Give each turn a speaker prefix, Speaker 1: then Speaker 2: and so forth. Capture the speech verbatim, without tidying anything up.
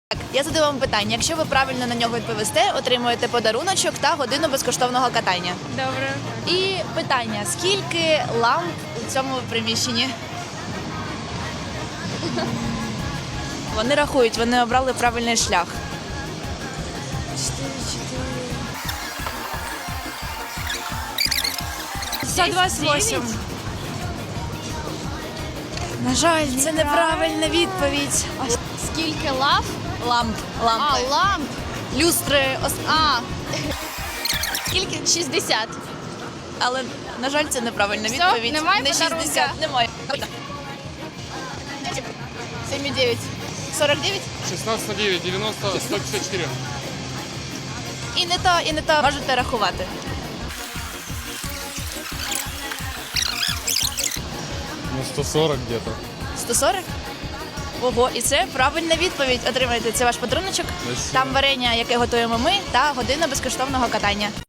Speaker 1: Так, я задаю вам питання. Якщо ви правильно на нього відповісте, отримуєте подаруночок та годину безкоштовного катання.
Speaker 2: Добре.
Speaker 1: І питання: скільки ламп у цьому приміщенні? Вони рахують, вони обрали правильний шлях.
Speaker 2: сто двадцять вісім.
Speaker 1: На жаль, це неправильна відповідь.
Speaker 2: Скільки лав?
Speaker 1: Ламп, лампи.
Speaker 2: А, ламп.
Speaker 1: Люстри, ос-
Speaker 2: А. Скільки? шістдесят.
Speaker 1: але, на жаль, це неправильна
Speaker 2: Все,
Speaker 1: відповідь.
Speaker 2: немає
Speaker 1: Не
Speaker 2: подарунка?
Speaker 1: шістдесят, немає. сім і дев'ять. сорок дев'ять?
Speaker 3: шестнадцать на девять, девяносто, сто пятьдесят четыре.
Speaker 1: І не то, і не то. Можете рахувати.
Speaker 3: Ну, сто сорок где-то.
Speaker 1: сто сорок? Ого, і це правильна відповідь. Отримайте, це ваш подаруночок.
Speaker 3: Спасибо.
Speaker 1: Там варення, яке готуємо ми, та година безкоштовного катання.